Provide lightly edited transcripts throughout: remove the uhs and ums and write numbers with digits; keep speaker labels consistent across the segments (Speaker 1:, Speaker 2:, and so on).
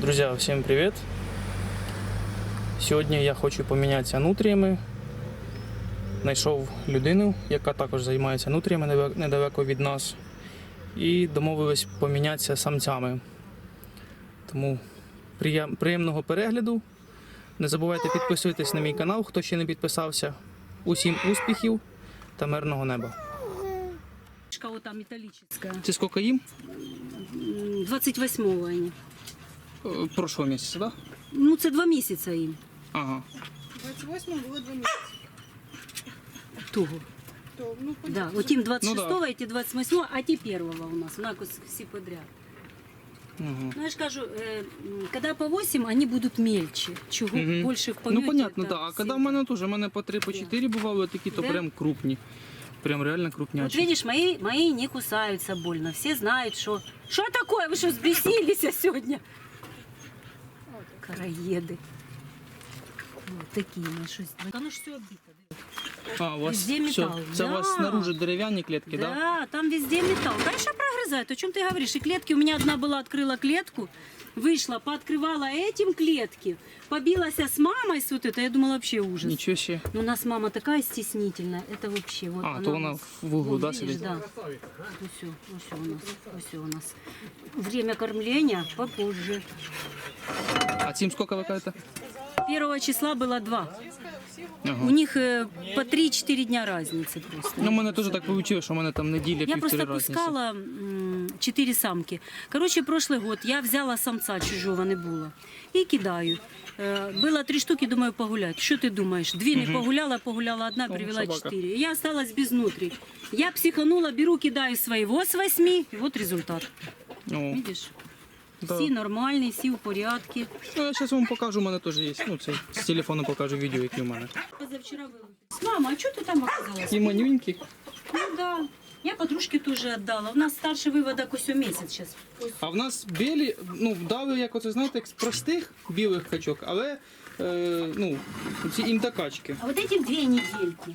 Speaker 1: Друзья, всем привет! Сьогодні я хочу помінятися нутріями. Знайшов людину, яка також займається нутріями недалеко від нас. І домовились помінятися самцями. Тому приємного перегляду. Не забувайте підписуватись на мій канал, хто ще не підписався. Усім успіхів та мирного неба.
Speaker 2: Вот там металлическая.
Speaker 1: Це скільки їм?
Speaker 2: 28-го они.
Speaker 1: Прошлого місяця, так? Да?
Speaker 2: Ну, це 2 місяці їм.
Speaker 1: Ага.
Speaker 3: 28-го було 2 місяці.
Speaker 2: Того.
Speaker 3: То, ну,
Speaker 2: Да, от їм 26-го,
Speaker 1: Ну, да.
Speaker 2: эти 28-го, а ті 1-го у нас. У нас всі подряд.
Speaker 1: Угу.
Speaker 2: Ну, я ж кажу, когда по 8, они будут мельче. Чего больше в помете.
Speaker 1: Ну, понятно,
Speaker 2: это
Speaker 1: да. А
Speaker 2: все.
Speaker 1: коли в мене теж, у мене по 3, по 4 бували такі, то
Speaker 2: Да?
Speaker 1: прям крупні. Прям реально
Speaker 2: Вот
Speaker 1: крупнячі.
Speaker 2: видишь, мои не кусаются больно. Все знают, что... Что такое? Вы что, взбесились сегодня? Караеды. Вот такие наши. Оно ж все оббито.
Speaker 1: А, у вас
Speaker 2: Везде
Speaker 1: все.
Speaker 2: металл.
Speaker 1: Це у вас
Speaker 2: Да.
Speaker 1: снаружи дерев'яні клітки,
Speaker 2: Да,
Speaker 1: так? Да?
Speaker 2: там везде металл. Конечно, прогрызает. О чем ты говоришь? И клетки, у меня одна была, открыла клетку, вышла, пооткрывала этим клетки, побилась с мамой с вот это. Я думала, вообще ужас.
Speaker 1: Нічого ще.
Speaker 2: Но у нас мама такая стеснительная, это вообще. Вот
Speaker 1: А, то вона в углу,
Speaker 2: вот,
Speaker 1: да,
Speaker 2: видишь,
Speaker 1: сидить?
Speaker 2: Да. Все у нас. Время кормления попозже.
Speaker 1: А цим скільки ви кажете?
Speaker 2: 1 числа было 2.
Speaker 1: Ага.
Speaker 2: У них по 3-4 дня разницы просто.
Speaker 1: Ну, у мене теж так вийшло, що у мене там неділя,
Speaker 2: Я
Speaker 1: півтори
Speaker 2: просто
Speaker 1: разниці.
Speaker 2: пускала 4 самки. Короче, прошлый год я взяла самца, чужого не було, і кидаю. Было 3 штуки, думаю, погулять. Що ти думаєш? 2 не погуляла, погуляла одна, привела
Speaker 1: собака.
Speaker 2: 4. Я осталась без нутрий. Я психанула, беру, кидаю своего с 8, и вот результат.
Speaker 1: О,
Speaker 2: Видишь?
Speaker 1: да.
Speaker 2: Всі нормальні, всі в порядку.
Speaker 1: Ну, я зараз вам покажу, у мене теж є. Ну, це з телефону покажу відео, які у мене.
Speaker 2: Позавчера вылупилась. Мама, а что ты там оказалась?
Speaker 1: І манюнькі.
Speaker 2: Ну да. Я подружке тоже отдала. У нас старший выводок усё месяц сейчас.
Speaker 1: А в нас білі, ну, дали, як оце, знаєте, як з простих білих качок, але, ну, ці індокачки.
Speaker 2: А вот этим 2 недельки.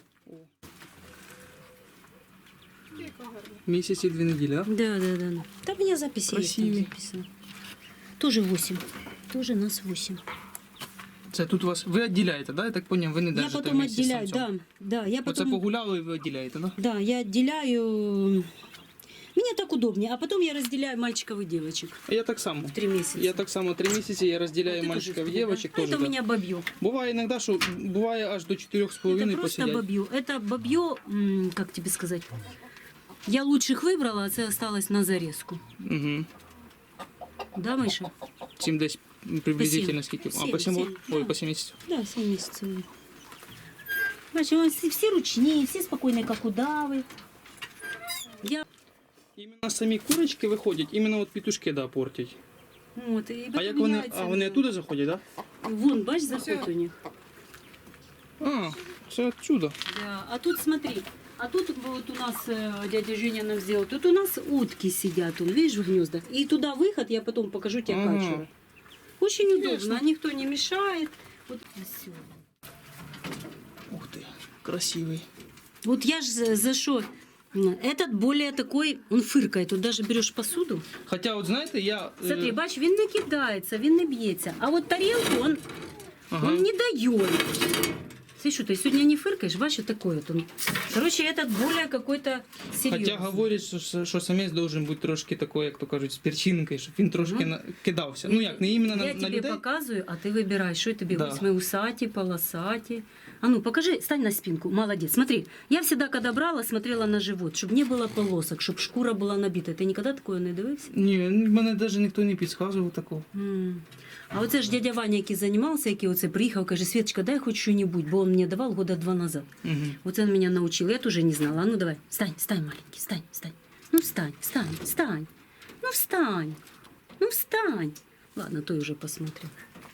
Speaker 1: Місяць і 2 неділі, так?
Speaker 2: Да. Там у меня записи есть, там
Speaker 1: Красивые.
Speaker 2: записано. Тоже 8. Тоже нас 8.
Speaker 1: Це тут у вас, ви відділяєте, да? Я так поняв, ви не
Speaker 2: Я
Speaker 1: держите
Speaker 2: потом
Speaker 1: вместе з
Speaker 2: отделяю,
Speaker 1: самцем.
Speaker 2: да. Я
Speaker 1: Оце
Speaker 2: потом,
Speaker 1: погуляли і ви відділяєте, да?
Speaker 2: да, я отделяю. Мне так удобнее. А потом я разделяю мальчиков и девочек.
Speaker 1: А я так само.
Speaker 2: 3 месяца.
Speaker 1: Я так само 3 місяці, я розділяю
Speaker 2: Ты
Speaker 1: мальчиків і
Speaker 2: тоже,
Speaker 1: дівчаток.
Speaker 2: да?
Speaker 1: теж.
Speaker 2: Это у
Speaker 1: так.
Speaker 2: меня бабье.
Speaker 1: Буває іноді, що буває аж до 4,5
Speaker 2: Это просто
Speaker 1: посидять.
Speaker 2: бабье. Это бабье, как тебе сказать, я лучших выбрала, а это осталось на зарезку.
Speaker 1: Угу.
Speaker 2: Да, Миша?
Speaker 1: Цим десь приблизительно
Speaker 2: По 7.
Speaker 1: скільки? А,
Speaker 2: Сім,
Speaker 1: по 7
Speaker 2: сім,
Speaker 1: років? Ой,
Speaker 2: да.
Speaker 1: по 7 місяців.
Speaker 2: Да, 7 месяцев. Значит, у нас все ручные, все спокойные, как удавы. Я
Speaker 1: Іменно самі курочки виходять, іменно от петушки, да, портять.
Speaker 2: вот, и
Speaker 1: А як вони, вони оттуда заходять, да?
Speaker 2: Вон, бачишь, заход у них.
Speaker 1: А, це отсюда.
Speaker 2: Да. А тут смотри, а тут вот у нас дядя Женя нам сделал, тут у нас утки сидят, он, видишь, в гнездах. И туда выход, я потом покажу тебе
Speaker 1: Ага.
Speaker 2: качера. Очень удобно,
Speaker 1: Ясно.
Speaker 2: никто не мешает. Вот красиво.
Speaker 1: Ух ти, красивий.
Speaker 2: Вот я же за что? Этот более такой, он фыркает. Тут даже берешь посуду.
Speaker 1: Хоча, от знаєте, я...
Speaker 2: Смотри, бач, він не кидається, він не б'ється. А от тарілку он,
Speaker 1: Ага.
Speaker 2: он не дает. Смотри, что ты сегодня не фыркаешь, бач, вот такой вот он. Короче, этот более какой-то серьезный.
Speaker 1: Хоча говорять, що самець должен бути трошки такий, як то кажуть, з перчинкою, щоб він трошки кидався. Ну як, не іменно
Speaker 2: Я
Speaker 1: на
Speaker 2: тебе
Speaker 1: людей.
Speaker 2: показываю, а ты выбираешь, что тебе
Speaker 1: Да.
Speaker 2: возьми, усаті, полосаті. А ну, покажи, стань на спинку, молодец. Смотри, я всегда, когда брала, смотрела на живот, чтобы не было полосок, чтобы шкура была набита. Ты никогда такое не дивився?
Speaker 1: Ні, мене навіть ніхто не підказував такого.
Speaker 2: А оце ж дядя Ваня, який займався, який оце приїхав, каже, Светочка, дай хоч що-нибудь, бо він мені давав года 2 назад.
Speaker 1: Угу.
Speaker 2: Оце він мене навчив, я теж не знала. А ну давай, встань, маленький, встань. Ну встань. Ну встань. Ладно, той уже посмотрел.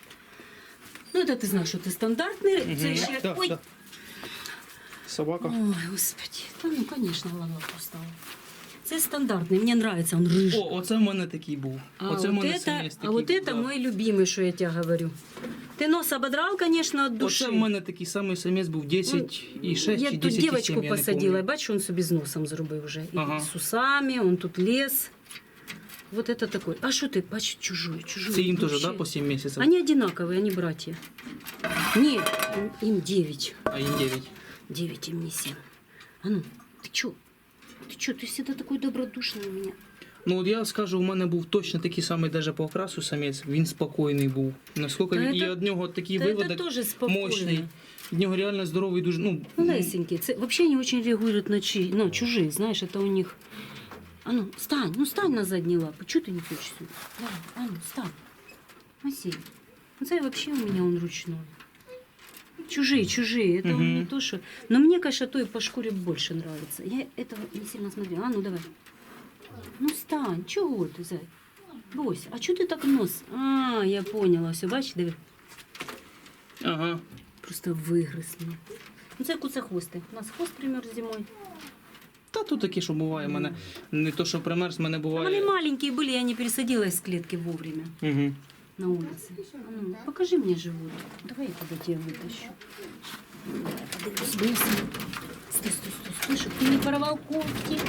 Speaker 2: Ну, это ты знаешь, что ты стандартный. Це ще...
Speaker 1: Да,
Speaker 2: Ой.
Speaker 1: да. Собака.
Speaker 2: Ой, господи. Да, ну, конечно, ладно, устала. Це стандартний, мені подобається, він рыжий.
Speaker 1: О, оце в мене такий був. Оце в мене самець такий
Speaker 2: вот
Speaker 1: був,
Speaker 2: это
Speaker 1: да.
Speaker 2: мой любимый, что я тебе говорю. Ты нос ободрал, конечно, от души.
Speaker 1: Оце в мене такий самий самець був 10,6
Speaker 2: Я
Speaker 1: чи
Speaker 2: тут
Speaker 1: 10,7,
Speaker 2: девочку
Speaker 1: я не
Speaker 2: посадила,
Speaker 1: пам'ятаю.
Speaker 2: бачиш, він собі з носом зробив вже. І
Speaker 1: Ага.
Speaker 2: з усами, он тут лез. Вот это такой. А что ты, чужой?
Speaker 1: Це їм теж,
Speaker 2: Вообще.
Speaker 1: да, по 7 місяців?
Speaker 2: Они одинаковые, они братья. Нет, им 9.
Speaker 1: А їм 9.
Speaker 2: 9, им не 7. А ну, ты чё? Ты чё? Ты всегда такой добродушный у меня.
Speaker 1: Ну от я скажу, у мене був точно такий самий даже по окрасу самець, він спокійний був. Наскільки
Speaker 2: Та
Speaker 1: він, і
Speaker 2: це-
Speaker 1: від нього такий
Speaker 2: Да это
Speaker 1: виводок
Speaker 2: тоже спокойно.
Speaker 1: мощний. Від нього реально здоровий, дуже, ну,
Speaker 2: Лесенькие. Вообще они очень реагируют на чужие, знаешь, это у них... А ну, стань на задние лапы. Чего ты не хочешь сюда? Давай, а ну, встань. Масей. Ну, это вообще у меня он ручной. Чужие. Это он не то, что... Но мне, конечно, то и по шкуре больше нравится. Я этого не сильно смотрела. А ну, давай. Ну, стань. Чего ты, зай? Брось. А что ты так нос? А, я поняла. Все, бачиш, диви.
Speaker 1: ага.
Speaker 2: Просто вигриз мене. Ну, це куцехвости. У нас хвост примерз зимою.
Speaker 1: Та тут таке, що буває, в мене не то, що примерз, в мене
Speaker 2: Вони
Speaker 1: буває.
Speaker 2: маленькі були, я не пересадила из клетки вовремя
Speaker 1: Угу.
Speaker 2: на улице. А ну, покажи мне живот. Давай я тогда тебя вытащу. Подивись, вниз. Стой, чтоб ты не порвал когти.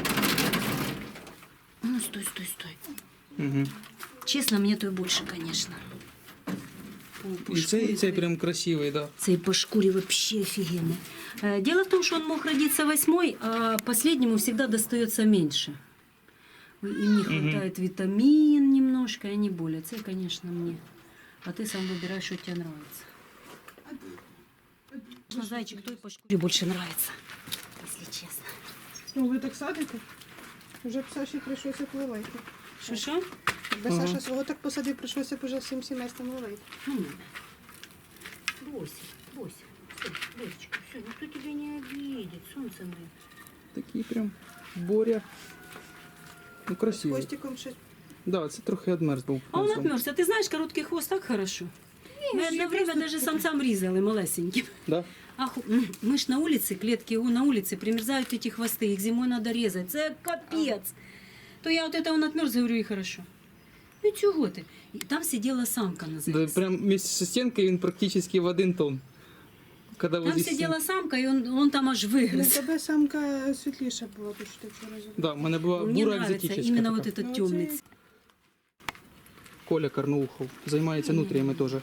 Speaker 2: А ну, стой.
Speaker 1: Угу.
Speaker 2: Честно, мне то и больше, конечно. По
Speaker 1: І цей
Speaker 2: шкурі
Speaker 1: прям красивий, да.
Speaker 2: Цей по шкуре вообще офигенно. Дело в том, что он мог родиться 8-й, а последнему всегда достается меньше. Им не хватает витамин немножко, и они болят. Это, конечно, мне. А ты сам выбираешь, что тебе нравится. Зайчик, той по шкуре больше нравится, если честно.
Speaker 3: Ну, ви так садите? Вже б Саші прийшлося пливати.
Speaker 2: Что?
Speaker 3: Якби
Speaker 1: Ага.
Speaker 3: Саша свого так посадив, прийшлося б уже всім сімейством ловити.
Speaker 2: Ну, брось. Все, дочечка, все, никто тебя не обидит, солнце мое.
Speaker 1: Такий прям Боря. Ну,
Speaker 3: З
Speaker 1: красивий.
Speaker 3: хвостиком ще.
Speaker 1: Да, це трохи одмерз був.
Speaker 2: А он отмерз. А ты знаешь, короткий хвост так хорошо. Мы одно время даже самцам резали малесеньким.
Speaker 1: Да?
Speaker 2: Мы ж на улице, клетки на улице примерзают эти хвосты, их зимой надо резать. Это капец. То я вот это он отмерз, говорю, и хорошо. Ну чего ты? И там сидела самка на
Speaker 1: Да,
Speaker 2: зайце.
Speaker 1: прям вместе со стенкой він практично в один тон. Когда
Speaker 2: Там
Speaker 1: возле
Speaker 2: сидела
Speaker 1: стен-
Speaker 2: самка, и он там аж
Speaker 3: Ну,
Speaker 2: вигриз.
Speaker 3: тебе самка світліша була, то що ти вчора зробила.
Speaker 1: Да, в мене була
Speaker 2: Мне
Speaker 1: бура
Speaker 2: нравится
Speaker 1: екзотична.
Speaker 2: именно вот
Speaker 1: така.
Speaker 2: этот
Speaker 3: Ну,
Speaker 2: темный
Speaker 3: це-
Speaker 2: цвет.
Speaker 1: Коля Карнаухов. Займається нутріями теж.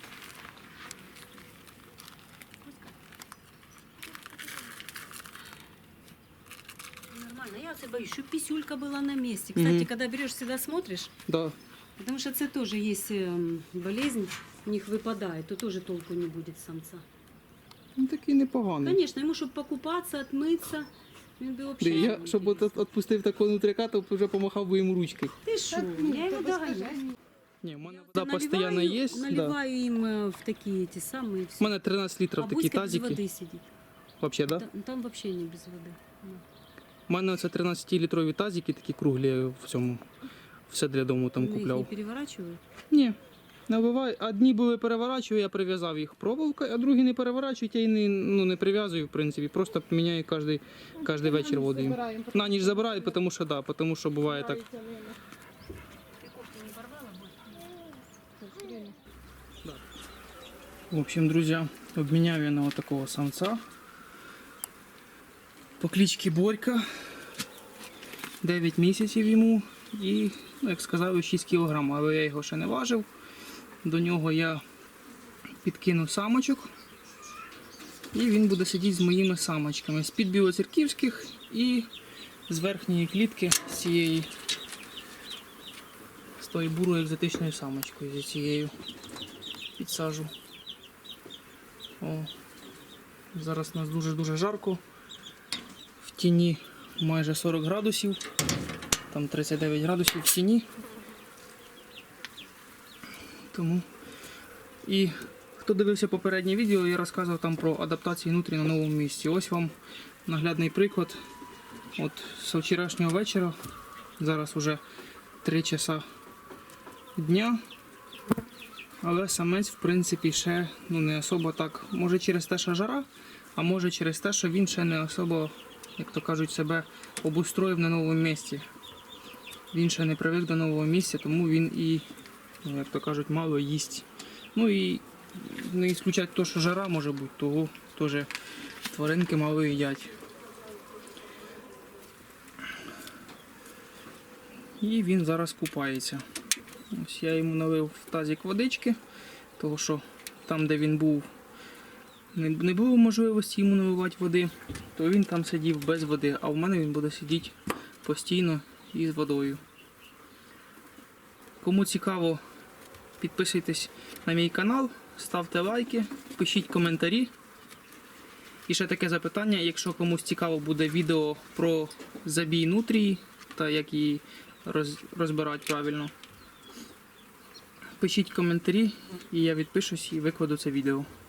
Speaker 2: Нормально. Я вот боюсь, чтобы писюлька была на месте. Кстати, когда берешь, всегда смотришь,
Speaker 1: Да.
Speaker 2: потому что это тоже есть болезнь, у них выпадает, то тоже толку не будет самца.
Speaker 1: Ну такий непоганий.
Speaker 2: Конечно, ему, чтобы покупаться, отмыться, він би
Speaker 1: Да,
Speaker 2: вообще...
Speaker 1: я, щоб от відпустив такого нутряка, то вже помахав би йому ручкою.
Speaker 2: Ты шо, я его догоняю.
Speaker 1: Ні, в мене вода постійно є. Да.
Speaker 2: Наливаю им в такие эти самые...
Speaker 1: У мене 13 літрів
Speaker 2: а
Speaker 1: такі
Speaker 2: Буська без
Speaker 1: тазики.
Speaker 2: воды сидит.
Speaker 1: Вообще, да?
Speaker 2: Там вообще не без воды. Ну.
Speaker 1: У мене це 13-літрові тазики, такі круглі в цьому. Все для дому там
Speaker 2: Ну, их не
Speaker 1: купляв.
Speaker 2: переворачивают.
Speaker 1: Ні. Набиваю. Одні були переворачую, я прив'язав їх проволокою, а другі не переворачують, я і не прив'язую, в принципі. Просто міняю кожний вечір воду їм.
Speaker 3: Забираємо.
Speaker 1: На ніч забираю, тому що да, тому що буває так. В общем, друзья, обменял я на вот такого самца по кличці Борька. 9 місяців йому і, ну, як сказав, 6 кг, але я його ще не важив. До нього я підкинув самочок і він буде сидіти з моїми самочками. З-під білоцерківських і з верхньої клітки, з цієї, з тої бурої екзотичною самочкою, зі цією підсажу. О, зараз у нас дуже-дуже жарко. В тіні майже 40 градусів, там 39 градусів в тіні. Тому. І хто дивився попереднє відео, я розказував там про адаптацію нутрій на новому місці. Ось вам наглядний приклад. От з вчорашнього вечора, зараз вже 3 часа дня. Але самець, в принципі, ще не особо так. Може через те, що жара, а може через те, що він ще не особо, як то кажуть, себе обустроїв на новому місці. Він ще не привик до нового місця, тому він і, як то кажуть, мало їсть. Ну і не ісключать те, що жара може бути, того теж тваринки мало їдять. І він зараз купається. Ось я йому налив в тазик водички, тому що там, де він був, не було можливості йому наливати води, то він там сидів без води, а в мене він буде сидіти постійно із водою. Кому цікаво, підписуйтесь на мій канал, ставте лайки, пишіть коментарі. І ще таке запитання, якщо комусь цікаво буде відео про забій нутрії та як її розбирати правильно, пишіть коментарі і я відпишусь і викладу це відео.